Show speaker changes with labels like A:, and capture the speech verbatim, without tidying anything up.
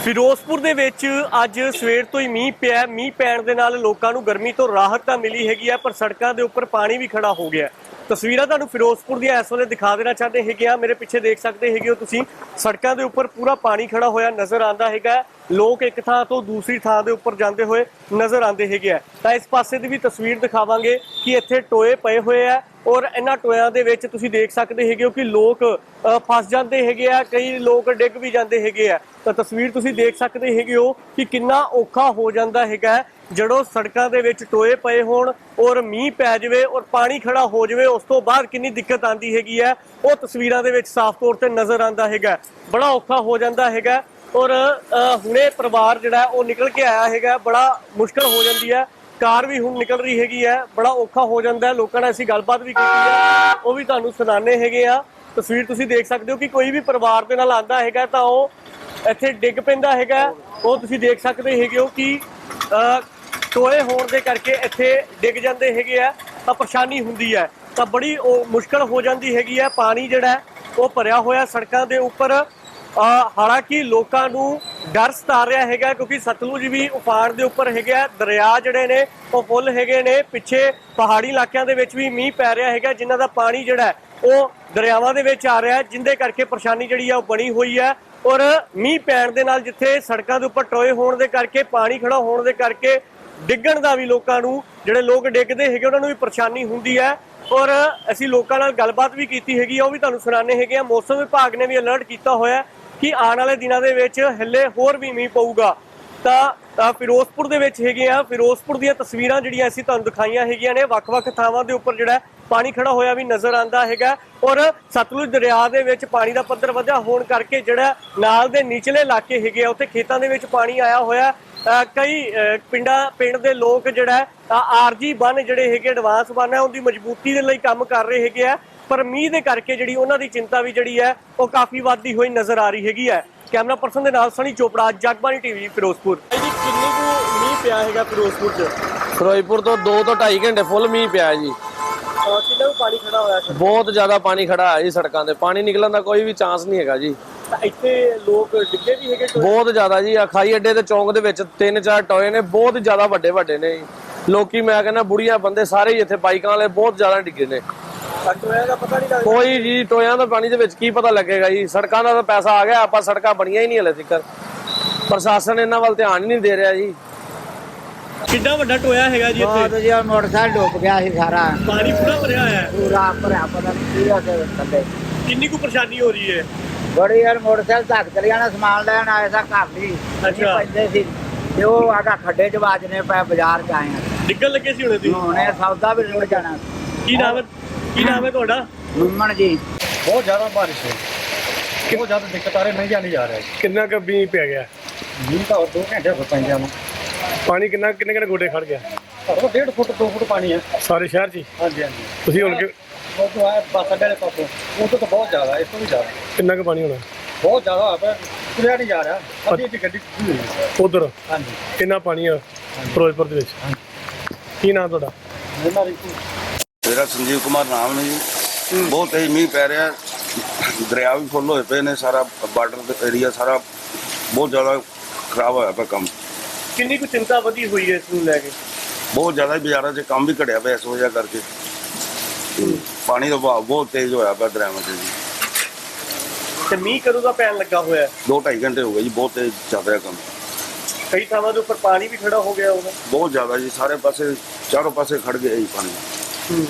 A: ਫਿਰੋਜ਼ਪੁਰ ਦੇ ਵਿੱਚ ਅੱਜ ਸਵੇਰ ਤੋਂ ਹੀ ਮੀਂਹ ਪਿਆ। ਮੀਂਹ ਪੈਣ ਦੇ ਨਾਲ ਲੋਕਾਂ ਨੂੰ ਗਰਮੀ ਤੋਂ ਰਾਹਤ ਤਾਂ ਮਿਲੀ ਹੈਗੀ ਆ, ਪਰ ਸੜਕਾਂ ਦੇ ਉੱਪਰ ਪਾਣੀ ਵੀ ਖੜਾ ਹੋ ਗਿਆ। ਤਸਵੀਰਾਂ ਤੁਹਾਨੂੰ ਫਿਰੋਜ਼ਪੁਰ ਦੀਆਂ ਇਸ ਵੇਲੇ ਦਿਖਾ ਦੇਣਾ ਚਾਹते ਹੈਗੇ ਆ। ਮੇਰੇ ਪਿੱਛੇ ਦੇਖ ਸਕਦੇ ਹੈਗੇ ਹੋ ਤੁਸੀਂ, ਸੜਕਾਂ ਦੇ ਉੱਪਰ ਪੂਰਾ ਪਾਣੀ ਖੜਾ ਹੋਇਆ ਨਜ਼ਰ ਆਉਂਦਾ ਹੈਗਾ। ਲੋਕ ਇੱਕ ਥਾਂ ਤੋਂ ਦੂਸਰੀ ਥਾਂ ਦੇ ਉੱਪਰ ਜਾਂਦੇ ਹੋਏ ਨਜ਼ਰ ਆਉਂਦੇ ਹੈਗੇ ਆ। ਤਾਂ ਇਸ ਪਾਸੇ ਦੀ ਵੀ ਤਸਵੀਰ ਦਿਖਾਵਾਂਗੇ ਕਿ ਇੱਥੇ ਟੋਏ ਪਏ ਹੋਏ ਆ ਔਰ ਇਹਨਾਂ ਟੋਇਆਂ ਦੇ ਵਿੱਚ ਤੁਸੀਂ ਦੇਖ ਸਕਦੇ ਹੈਗੇ ਹੋ ਕਿ ਲੋਕ ਫਸ ਜਾਂਦੇ ਹੈਗੇ ਆ, ਕਈ ਲੋਕ ਡਿੱਗ ਵੀ ਜਾਂਦੇ ਹੈਗੇ ਆ। ਤਾਂ ਤਸਵੀਰ ਤੁਸੀਂ ਦੇਖ ਸਕਦੇ ਹੈਗੇ ਹੋ ਕਿ ਕਿੰਨਾ ਔਖਾ ਹੋ ਜਾਂਦਾ ਹੈਗਾ ਜਦੋਂ ਸੜਕਾਂ ਦੇ ਵਿੱਚ ਟੋਏ ਪਏ ਹੋਣ ਔਰ ਮੀਂਹ ਪੈ ਜਾਵੇ ਔਰ ਪਾਣੀ ਖੜਾ ਹੋ ਜਾਵੇ। ਉਸ ਤੋਂ ਬਾਅਦ ਕਿੰਨੀ ਦਿੱਕਤ ਆਉਂਦੀ ਹੈਗੀ ਹੈ ਉਹ ਤਸਵੀਰਾਂ ਦੇ ਵਿੱਚ ਸਾਫ਼ ਤੌਰ ਤੇ ਨਜ਼ਰ ਆਉਂਦਾ ਹੈਗਾ। ਬੜਾ ਔਖਾ ਹੋ ਜਾਂਦਾ ਹੈਗਾ ਔਰ ਹੁਣੇ ਪਰਿਵਾਰ ਜਿਹੜਾ ਉਹ ਨਿਕਲ ਕੇ ਆਇਆ ਹੈਗਾ, ਬੜਾ ਮੁਸ਼ਕਲ ਹੋ ਜਾਂਦੀ ਹੈ। ਕਾਰ ਵੀ ਹੁਣ ਨਿਕਲ ਰਹੀ ਹੈਗੀ ਹੈ, ਬੜਾ ਔਖਾ ਹੋ ਜਾਂਦਾ ਹੈ। ਲੋਕਾਂ ਨਾਲ ਅਸੀਂ ਗੱਲਬਾਤ ਵੀ ਕੀਤੀ ਹੈ, ਉਹ ਵੀ ਤੁਹਾਨੂੰ ਸੁਣਾਣੇ ਹੈਗੇ ਆ। ਤਸਵੀਰ ਤੁਸੀਂ ਦੇਖ ਸਕਦੇ ਹੋ ਕਿ ਕੋਈ ਵੀ ਪਰਿਵਾਰ ਦੇ ਨਾਲ ਆਉਂਦਾ ਹੈਗਾ ਤਾਂ ਉਹ ਇੱਥੇ ਡਿੱਗ ਪੈਂਦਾ ਹੈਗਾ। ਉਹ ਤੁਸੀਂ ਦੇਖ ਸਕਦੇ ਹੈਗੇ ਹੋ ਕਿ ਟੋਏ ਹੋਣ ਦੇ ਕਰਕੇ ਇੱਥੇ ਡਿੱਗ ਜਾਂਦੇ ਹੈਗੇ ਆ, ਤਾਂ ਪਰੇਸ਼ਾਨੀ ਹੁੰਦੀ ਹੈ। ਤਾਂ ਬੜੀ ਉਹ ਮੁਸ਼ਕਲ ਹੋ ਜਾਂਦੀ ਹੈਗੀ ਹੈ। ਪਾਣੀ ਜਿਹੜਾ ਉਹ ਭਰਿਆ ਹੋਇਆ ਸੜਕਾਂ ਦੇ ਉੱਪਰ। ਹਾਲਾਂਕਿ ਲੋਕਾਂ ਨੂੰ ਡਰ ਸਤਾ ਰਿਹਾ ਹੈਗਾ ਕਿਉਂਕਿ ਸਤਲੁਜ ਵੀ ਉਫਾਨ ਦੇ ਉੱਪਰ ਹੈਗਾ। ਦਰਿਆ ਜਿਹੜੇ ਨੇ ਉਹ ਫੁੱਲ ਹੈਗੇ ਨੇ। ਪਿੱਛੇ ਪਹਾੜੀ ਇਲਾਕਿਆਂ ਦੇ ਵਿੱਚ ਵੀ ਮੀਂਹ ਪੈ ਰਿਹਾ ਹੈਗਾ, ਜਿਨ੍ਹਾਂ ਦਾ ਪਾਣੀ ਜਿਹੜਾ ਉਹ ਦਰਿਆਵਾਂ ਦੇ ਵਿੱਚ ਆ ਰਿਹਾ, ਜਿੰਦੇ ਕਰਕੇ ਪਰੇਸ਼ਾਨੀ ਜਿਹੜੀ ਆ ਉਹ ਬਣੀ ਹੋਈ ਹੈ। ਔਰ ਮੀਂਹ ਪੈਣ ਦੇ ਨਾਲ ਜਿੱਥੇ ਸੜਕਾਂ ਦੇ ਉੱਪਰ ਟੋਏ ਹੋਣ ਦੇ ਕਰਕੇ, ਪਾਣੀ ਖੜਾ ਹੋਣ ਦੇ ਕਰਕੇ ਡਿੱਗਣ ਦਾ ਵੀ ਲੋਕਾਂ ਨੂੰ, ਜਿਹੜੇ ਲੋਕ ਡਿੱਗਦੇ ਹੈਗੇ ਉਹਨਾਂ ਨੂੰ ਵੀ ਪਰੇਸ਼ਾਨੀ ਹੁੰਦੀ ਹੈ। ਔਰ ਅਸੀਂ ਲੋਕਾਂ ਨਾਲ ਗੱਲਬਾਤ ਵੀ ਕੀਤੀ ਹੈਗੀ ਆ, ਉਹ ਵੀ ਤੁਹਾਨੂੰ ਸੁਣਾਣੇ ਹੈਗੇ ਆ। ਮੌਸਮ ਵਿਭਾਗ ਨੇ ਵੀ ਅਲਰਟ ਕੀਤਾ ਹੋਇਆ ਕਿ ਆਉਣ ਵਾਲੇ ਦਿਨਾਂ ਦੇ ਵਿੱਚ ਹੱਲੇ ਹੋਰ ਵੀ ਮੀਂਹ ਪਊਗਾ। ਤਾਂ ਫਿਰੋਜ਼ਪੁਰ ਦੇ ਵਿੱਚ ਹੈਗੇ ਆ, ਫਿਰੋਜ਼ਪੁਰ ਦੀਆਂ ਤਸਵੀਰਾਂ ਜਿਹੜੀਆਂ ਅਸੀਂ ਤੁਹਾਨੂੰ ਦਿਖਾਈਆਂ ਹੈਗੀਆਂ ਨੇ। ਵੱਖ-ਵੱਖ ਥਾਵਾਂ ਦੇ ਉੱਪਰ ਜਿਹੜਾ ਪਾਣੀ ਖੜਾ ਹੋਇਆ ਵੀ ਨਜ਼ਰ ਆਉਂਦਾ ਹੈਗਾ ਔਰ ਸਤਲੁਜ ਦਰਿਆ ਦੇ ਵਿੱਚ ਪਾਣੀ ਦਾ ਪੱਧਰ ਵਧਿਆ ਹੋਣ ਕਰਕੇ ਜਿਹੜਾ ਨਾਲ ਦੇ ਨਿਚਲੇ ਇਲਾਕੇ ਹੈਗੇ ਆ ਉੱਥੇ ਖੇਤਾਂ ਦੇ ਵਿੱਚ ਪਾਣੀ ਆਇਆ ਹੋਇਆ। ਕਈ ਪਿੰਡਾਂ ਪਿੰਡ ਦੇ ਲੋਕ ਜਿਹੜਾ ਆਰਜੀ ਬੰਨ ਜਿਹੜੇ ਹੈਗੇ, ਐਡਵਾਂਸ ਬੰਨ ਹੈ, ਉਹਦੀ ਮਜ਼ਬੂਤੀ ਦੇ ਲਈ ਕੰਮ ਕਰ ਰਹੇ ਹੈਗੇ ਆ। ਪਰ ਮੀਂਹ ਦੇ ਕਰਕੇ ਜਿਹੜੀ ਉਹਨਾਂ ਦੀ ਚਿੰਤਾ ਵੀ ਜਿਹੜੀ ਹੈ ਉਹ ਕਾਫੀ ਵੱਧਦੀ ਹੋਈ ਨਜ਼ਰ ਆ ਰਹੀ ਹੈਗੀ ਹੈ। ਕੈਮਰਾ ਪਰਸਨ ਦੇ ਨਾਲ ਸਣੀ ਚੋਪੜਾ, ਜਗਬਾਣੀ ਟੀਵੀ, ਫਿਰੋਜ਼ਪੁਰ। ਜੀ ਕਿੰਨੀ ਕੁ ਮੀਂਹ ਪਿਆ ਹੈਗਾ ਫਿਰੋਜ਼ਪੁਰ 'ਚ?
B: ਫਿਰੋਜ਼ਪੁਰ ਤੋਂ ਦੋ ਤੋਂ ਢਾਈ ਘੰਟੇ ਫੁੱਲ ਮੀਂਹ ਪਿਆ ਜੀ।
A: ਕਿੰਨਾ ਕੁ ਪਾਣੀ ਖੜਾ ਹੋਇਆ?
B: ਬਹੁਤ ਜ਼ਿਆਦਾ ਪਾਣੀ ਖੜਾ ਹੈ ਜੀ ਸੜਕਾਂ ਤੇ, ਪਾਣੀ ਨਿਕਲਣ ਦਾ ਕੋਈ ਵੀ ਚਾਂਸ ਨਹੀਂ ਹੈਗਾ ਜੀ।
A: ਇੱਥੇ ਲੋਕ ਡਿੱਗੇ ਵੀ ਹੈਗੇ
B: ਬਹੁਤ ਜ਼ਿਆਦਾ ਜੀ। ਅਖਾਈ ਅੱਡੇ ਤੇ ਚੌਂਕ ਦੇ ਵਿੱਚ ਤਿੰਨ ਚਾਰ ਟੋਏ ਨੇ, ਬਹੁਤ ਜ਼ਿਆਦਾ ਵੱਡੇ ਵੱਡੇ ਨੇ। ਲੋਕੀ ਮੈਂ ਕਹਿੰਦਾ ਬੁੜੀਆਂ ਬੰਦੇ ਸਾਰੇ ਹੀ ਇੱਥੇ ਬਾਈਕਾਂ ਵਾਲੇ ਬਹੁਤ ਜ਼ਿਆਦਾ ਡਿੱਗੇ ਨੇ।
A: ਟੋਇਆਂ ਦਾ ਪਤਾ ਨਹੀਂ ਲੱਗਦਾ
B: ਕੋਈ ਜੀ, ਟੋਇਆਂ ਦਾ ਪਾਣੀ ਦੇ ਵਿੱਚ ਕੀ ਪਤਾ ਲੱਗੇਗਾ ਜੀ। ਸੜਕਾਂ ਦਾ ਤਾਂ ਪੈਸਾ ਆ ਗਿਆ, ਆਪਾਂ ਸੜਕਾਂ ਬਣੀਆਂ ਹੀ ਨਹੀਂ ਹਲੇ ਤੱਕ। ਪ੍ਰਸ਼ਾਸਨ ਇਹਨਾਂ ਵੱਲ ਧਿਆਨ ਹੀ ਨਹੀਂ ਦੇ ਰਿਹਾ ਜੀ।
A: ਕਿੰਨਾ ਵੱਡਾ ਟੋਇਆ ਹੈਗਾ ਜੀ ਇੱਥੇ?
C: ਬਹੁਤ ਜੀ, ਮੋਟਰਸਾਈਕਲ ਡੁੱਬ ਗਿਆ ਸੀ ਸਾਰਾ,
A: ਪਾਣੀ ਪੂਰਾ ਭਰਿਆ ਹੋਇਆ ਹੈ।
C: ਪੂਰਾ ਭਰਿਆ, ਪਤਾ ਨਹੀਂ ਕੀ ਹੋਇਆ ਥੱਲੇ।
A: ਕਿੰਨੀ ਕੁ ਪਰੇਸ਼ਾਨੀ ਹੋ ਰਹੀ ਹੈ?
C: ਬੜੀ ਯਾਰ, ਮੋਟਰਸਾਈਕਲ ਧੱਕ ਚਲੇ ਜਾਣਾ, ਸਮਾਨ ਲੈਣ ਆਏ ਸਾਂ ਘਰ ਦੀ।
A: ਅੱਛਾ।
C: ਪੈਂਦੇ ਸੀ ਤੇ ਉਹ ਆਗਾ ਖੱਡੇ ਚ ਵੱਜਨੇ ਪਏ, ਬਾਜ਼ਾਰ ਚ ਆਏ ਆ।
A: ਡਿੱਗਣ ਲੱਗੇ ਸੀ ਹੁਣੇ ਤੁਸੀਂ?
C: ਹੁਣੇ ਸੌਦਾ ਵੀ ਨਿਕਲ ਜਾਣਾ।
A: ਕੀ ਨਾਮ ਹੈ, ਕੀ ਨਾਮ ਹੈ ਤੁਹਾਡਾ?
C: ਮੁੰਮਣ ਜੀ।
D: ਬਹੁਤ ਜ਼ਿਆਦਾ ਬਾਰਿਸ਼ ਹੈ, ਬਹੁਤ ਜ਼ਿਆਦਾ ਦਿੱਕਤ ਆ ਰਹੀ, ਨਹੀਂ ਜਾਣੀ ਜਾ ਰਿਹਾ।
A: ਕਿੰਨਾ ਕੁ ਮੀਂਹ ਪੈ ਗਿਆ?
D: ਮੀਂਹ ਤਾਂ ਦੋ ਘੰਟੇ ਹੋ ਪੈਂਦਿਆਂ ਨੂੰ।
A: ਪਾਣੀ ਕਿੰਨਾ ਕਿੰਨੇ ਕਿੰਨੇ ਗੋਡੇ ਖੜ ਗਿਆ?
D: ਘੱਟੋ ਡੇਢ ਫੁੱਟ ਦੋ ਫੁੱਟ ਪਾਣੀ ਹੈ
A: ਸਾਰੇ ਸ਼ਹਿਰ 'ਚ ਹੀ?
D: ਹਾਂਜੀ ਹਾਂਜੀ।
A: ਤੁਸੀਂ ਹੁਣ ਕਿ-
D: ਉਹ ਤੋਂ ਆਇਆ ਬੱਸ ਅੱਡੇ ਦੇ ਪਾਸੋਂ, ਉਹ ਤੋਂ ਤਾਂ ਬਹੁਤ ਜ਼ਿਆਦਾ, ਇਸ ਤੋਂ ਵੀ ਜ਼ਿਆਦਾ,
A: ਕਿੰਨਾ ਕੁ ਪਾਣੀ ਹੋਣਾ?
D: ਬਹੁਤ ਜ਼ਿਆਦਾ ਹੋਇਆ ਪਿਆ, ਤੁਰਿਆ ਨਹੀਂ ਜਾ ਰਿਹਾ। ਅੱਧੀ ਅੱਧੀ ਗੱਡੀ ਖੁੱਲੀ ਹੋਈ ਹੈ।
A: ਉਧਰ
D: ਹਾਂਜੀ।
A: ਕਿੰਨਾ ਪਾਣੀ ਆ ਫਿਰੋਜ਼ਪੁਰ ਦੇ ਵਿੱਚ? ਕੀ ਨਾਮ ਤੁਹਾਡਾ?
D: ਇਹਨਾਂ ਦੀ
E: ਮੇਰਾ ਸੰਜੀਵ ਕੁਮਾਰ ਨਾਮ ਹੈ ਜੀ। ਬਹੁਤ ਤੇਜ਼ ਮੀਂਹ ਪੈ ਰਿਹਾ, ਦਰਿਆ ਵੀ ਫੁੱਲ ਹੋਏ ਪਏ ਨੇ, ਸਾਰਾ ਬਾਰਡਰ ਦਾ ਏਰੀਆ ਸਾਰਾ ਬਹੁਤ ਜ਼ਿਆਦਾ ਖਰਾਬ ਹੋਇਆ ਪਿਆ ਕੰਮ।
A: ਕਿੰਨੀ ਕੁ ਚਿੰਤਾ ਵਧੀ ਹੋਈ ਹੈ ਇਸ ਨੂੰ ਲੈ ਕੇ?
E: ਬਹੁਤ ਜ਼ਿਆਦਾ ਬਾਜ਼ਾਰਾਂ 'ਚ ਕੰਮ ਵੀ ਘਟਿਆ ਪਿਆ ਇਸ ਵਜ੍ਹਾ ਕਰਕੇ। ਪਾਣੀ ਦਾ ਵਹਾਅ ਬਹੁਤ ਤੇਜ਼ ਹੋਇਆ ਪਿਆ ਦਰਿਆਵਾਂ 'ਚ ਜੀ।
A: ਤੇ ਮੀਂਹ ਕਦੋਂ ਦਾ ਪੈਣ ਲੱਗਾ ਹੋਇਆ?
E: ਦੋ ਢਾਈ ਘੰਟੇ ਹੋ ਗਏ ਜੀ, ਬਹੁਤ ਤੇਜ਼ ਚੱਲ ਰਿਹਾ ਕੰਮ।
A: ਕਈ ਥਾਵਾਂ ਦੇ ਉੱਪਰ ਪਾਣੀ ਵੀ ਖੜਾ ਹੋ ਗਿਆ ਹੋਗਾ?
E: ਬਹੁਤ ਜ਼ਿਆਦਾ ਜੀ, ਸਾਰੇ ਪਾਸੇ ਚਾਰੋਂ ਪਾਸੇ ਖੜ ਗਿਆ ਜੀ ਪਾਣੀ।